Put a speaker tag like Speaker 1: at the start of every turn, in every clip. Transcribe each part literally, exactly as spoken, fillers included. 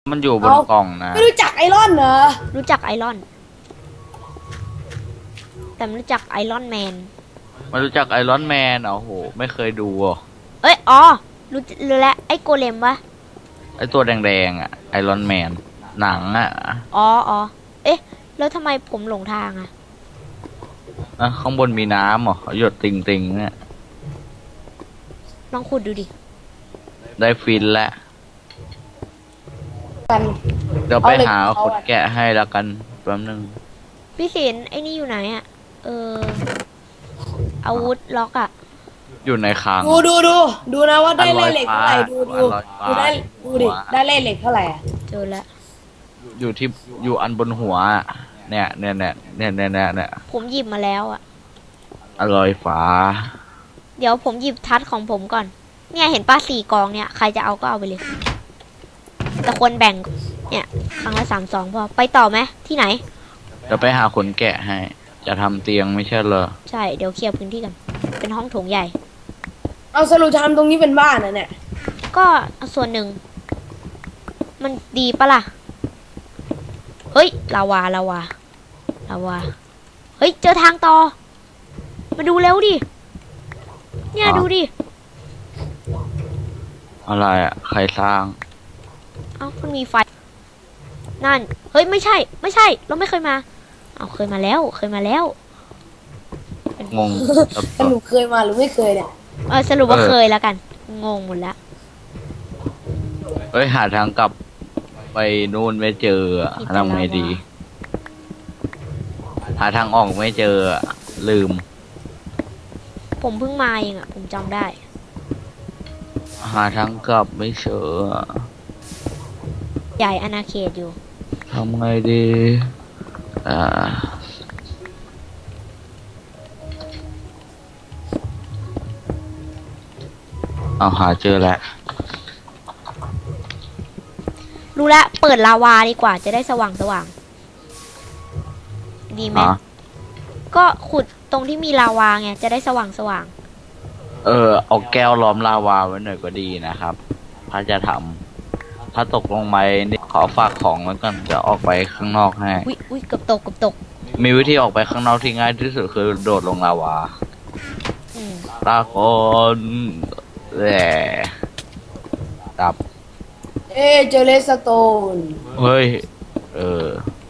Speaker 1: มันอยู่บนกล่องนะ
Speaker 2: ไม่รู้จักไอรอนเหรอ
Speaker 3: รู้จักไอรอน แต่ไม่รู้จักไอรอนแมน
Speaker 1: ไม่รู้จักไอรอนแมนเหรอโหไม่เคยดูอ่ะ
Speaker 3: เอ้ยอ๋อรู้รู้แล้วไอโกเลมวะ
Speaker 1: ไอตัวแดงๆอ่ะไอรอนแมนหนังอ่ะ
Speaker 3: อ๋ออ๋อเอ๊ะแล้วทำไมผมหลงทางอ่ะ
Speaker 1: อ่ะข้างบนมีน้ำเหรอหยดติ่งๆเนี่ย
Speaker 3: ลองขุดดูดิ
Speaker 1: ได้ฟินแล้ว
Speaker 2: กัน
Speaker 1: เดี๋ยวไปหาขุดแกะให้แล้วกันแป๊บนึง
Speaker 3: พี่ศิลป์ไอ้นี่อยู่ไหนอ่ะเอออาวุธล็อกอ่ะ
Speaker 1: อยู่ในคลัง
Speaker 2: ดูดูดูดูนะว่าได้เล่เหล็กเท่าไหร่ดูดูดูได้ดูดิได้เล่เหล็กเท่าไหร่อ่ะ
Speaker 3: เจอแล้ว
Speaker 1: อยู่ที่อยู่อันบนหัวเนี่ยเนี่ยเนี่ยเนี่ยเนี่ยเนี่ยเนี่ย
Speaker 3: ผมหยิบมาแล้วอ่ะ
Speaker 1: อร่อยฝา
Speaker 3: เดี๋ยวผมหยิบทัดของผมก่อนเนี่ยเห็นป้าสี่กองเนี่ยใครจะเอาก็เอาไปเลยแต่ควรแบ่งเนี่ยครั้งละสามสองพอไปต่อไหมที่ไหน
Speaker 1: เดี๋ยวไปหาขนแกะให้จะทำเตียงไม่ใช่เหรอ
Speaker 3: ใช่เดี๋ยวเคลียร์พื้นที่กันเป็นห้องโถงใหญ่
Speaker 2: เอาสรุปทำตรงนี้เป็นบ้านนะเนี่ย
Speaker 3: ก็ส่วนหนึ่งมันดีปะล่ะเฮ้ยลาวาลาวาลาวาเฮ้ยเจอทางต่อมาดูเร็วดิเนี่ยดูดิ
Speaker 1: อะไรอ่ะใครสร้าง
Speaker 3: เอ้ามันมีไฟนั่นเฮ้ยไม่ใช่ไม่ใช่เราไม่เคยมาเอาเคยมาแล้วเคยมาแล้ว
Speaker 1: งง
Speaker 2: สรุปเคยมาหรือไม่เคยเนี่ย
Speaker 3: เออสรุปว่าเคยแล้วกันงงหมดแล้ว
Speaker 1: เฮ้ยหาทางกลับไปนู่นไม่เจอทำไงดีหาทางออกไม่เจอลืม
Speaker 3: ผมเพิ่งมาเองอ่ะผมจำได้
Speaker 1: หาทางกลับไม่เจอ
Speaker 3: ใหญ่อาณาเขตอยู่
Speaker 1: ทำไงดีอ่าเอาหาเจอแล้ว
Speaker 3: รู้แล้วเปิดลาวาดีกว่าจะได้สว่างสว่างดีไหมก็ขุดตรงที่มีลาวาไงจะได้สว่างสว่าง
Speaker 1: เออเอาแก้วล้อมลาวาไว้หน่อยก็ดีนะครับถ้าจะทำถ้าตกลงไปนี่ขอฝากของแล้วกันจะออกไปข้างนอกให้
Speaker 3: อุ้ยอุ้ยเกือบตกเกือบตก
Speaker 1: มีวิธีออกไปข้างนอกที่ง่ายที่สุดคือโดดลงลาวาตาคนแหละดับ
Speaker 2: เอเจอเลสโตน
Speaker 1: เฮ้ยเออ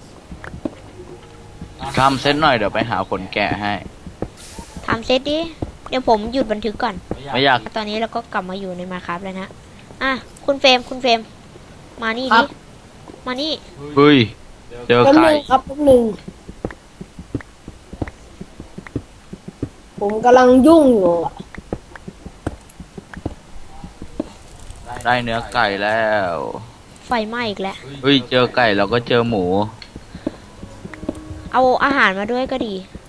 Speaker 1: ทำเซตหน่อยเดี๋ยวไปหาคนแกะให้
Speaker 3: ทำเซตดิเดี๋ยวผมหยุดบันทึกก่อน
Speaker 1: ไม่อยาก
Speaker 3: ตอนนี้เราก็กลับมาอยู่ในมาครับแล้วนะอ่ะคุณเฟรมคุณเฟรมมานี่ดิมานี่
Speaker 1: เฮ้ยเจอไก่
Speaker 2: ครับแป๊บนึงผมกำลังยุ่งอยู่
Speaker 1: ได้เนื้อไก่แล้ว
Speaker 3: ไฟไหม้อีกแล้ว
Speaker 1: เฮ้ยเจอไก่แล้วก็เจอหมู
Speaker 3: เอาอาหารมาด้วยก็ดี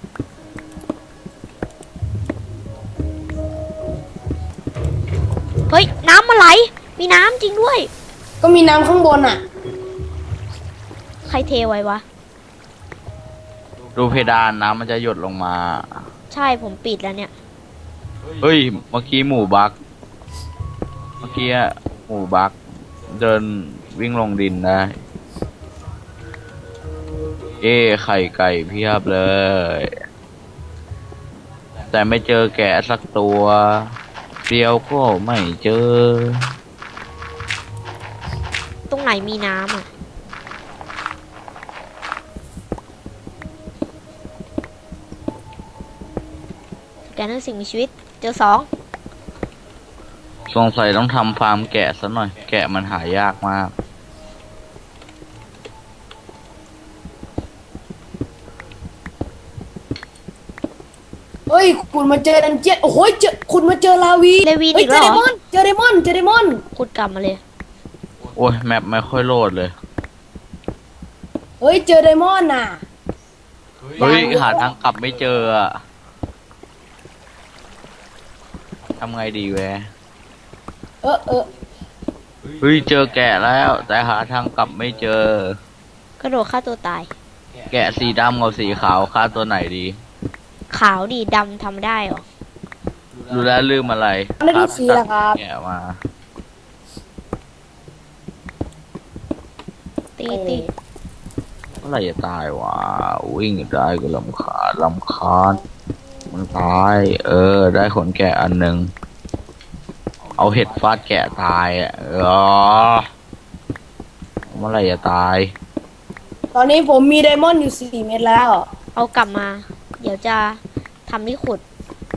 Speaker 3: เฮ้ยน้ำมาไหลมีน้ำจริงด้วย
Speaker 2: ก็มีน้ำข้างบนอ่ะ
Speaker 3: ใครเทไว้วะ
Speaker 1: ดูเพดานน้ำมันจะหยดลงมา
Speaker 3: ใช่ผมปิดแล้วเนี่ย
Speaker 1: เฮ้ยเมื่อกี้หมูบักเมื่อกี้หมูบักเดินวิ่งลงดินได้เอ้ไข่ไก่เพียบเลยแต่ไม่เจอแกะสักตัวเดียวก็ไม่เจอ
Speaker 3: ตรงไหนมีน้ำอ่ะแกนั่นสิ่งมีชีวิตเจอสอง
Speaker 1: สงสัยต้องทำฟาร์มแกะซะหน่อยแกะมันหายากมาก
Speaker 2: เฮ้ยคุณมาเจอดันเจียนโอ้โหเจอคุณมาเจอลาวี
Speaker 3: เลวีนอีกแล้วเหรอ
Speaker 2: เจอเดมอนเจอเดมอน
Speaker 3: ขุดกลับมาเลย
Speaker 1: โอ้ยแมปไม่ค่อยโหลดเลย
Speaker 2: เฮ้ยเจอเดมอนน่ะ
Speaker 1: เฮ้ยหาทางกลับไม่เจออะทำไงดีแว
Speaker 2: เออเออ
Speaker 1: เฮ้ยเจอแกะแล้วแต่หาทางกลับไม่เจอก
Speaker 3: ระโดดฆ่าตัวตาย
Speaker 1: แกะสีดำกับสีขาวฆ่าตัวไหนดี
Speaker 3: ขาวดีดำทำได้หรอ
Speaker 1: ดูแลลืมอะไร
Speaker 2: ไม่ได้สีละครับ
Speaker 1: แกะมา
Speaker 3: ตีตี
Speaker 1: เมื่อไหร่จะตายวะวิ่งได้ก็ลำคาญลำคาญมันตาย เออ ได้ขนแกะอันหนึ่งเอาเห็ดฟาดแกะตายอ่ะเออเมื่อไหร่จะตาย
Speaker 2: ตอนนี้ผมมีไดมอนด์อยู่สี่เม็ดแล้ว
Speaker 3: เอากลับมา เดี๋ยวจะทำที่ขุด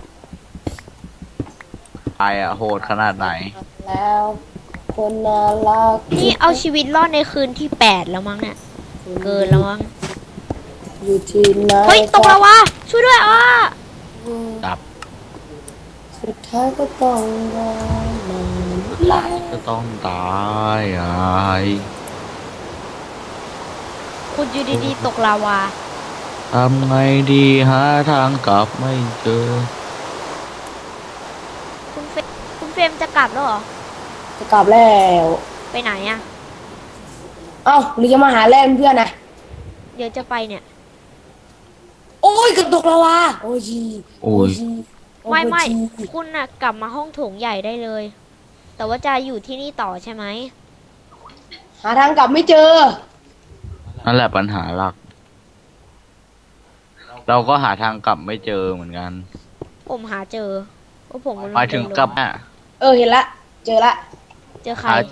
Speaker 1: ตายอ่ะโหดขนาดไหน
Speaker 2: แล้ว คนน่ารัก
Speaker 3: นี่เอาชีวิตรอดในคืนที่แปดแล้วมั้งเนี่ย เกินแล้วมั้ง
Speaker 2: อยู่ที่ไหน
Speaker 3: เฮ้ย ตกแล้ววะ ช่วยด้วยอ่ะ
Speaker 1: ดับ
Speaker 2: สุดท้ายก็ต้องรอมันลา
Speaker 1: ก็ต้องตายไอ้
Speaker 3: คุณอยู่ดีๆตกลาวา
Speaker 1: ทำไงดีหาทางกลับไม่เจอ
Speaker 3: คุณเฟรมคุณเฟรมจะกลับแล้วเหรอ
Speaker 2: จะกลับแล้ว
Speaker 3: ไปไหนอ่ะ
Speaker 2: เอ้าหรือจะมาหาแล่นเพื่อนนะ
Speaker 3: เดี๋ยวจะไปเนี่ย
Speaker 2: โอ้ยกระตกแล้ววะโอ้ยจี
Speaker 1: โอ้ย
Speaker 2: จี
Speaker 3: ไม่ไม่
Speaker 2: โอ้ยจี
Speaker 3: คุณน่ะกลับมาห้องโถงใหญ่ได้เลย แต่ว่าจะอยู่ที่นี่ต่อใช่ไหม
Speaker 2: หาทางกลับไม่เจอ
Speaker 1: นั่นแหละปัญหาหลัก เราก็หาทางกลับไม่เจอเหมือนกัน
Speaker 3: ผมหาเจอว่าผมมัน
Speaker 1: หมายถึงกลับอ่ะ
Speaker 2: เออเห็นละ เจอละ
Speaker 3: เจอใคร
Speaker 1: หา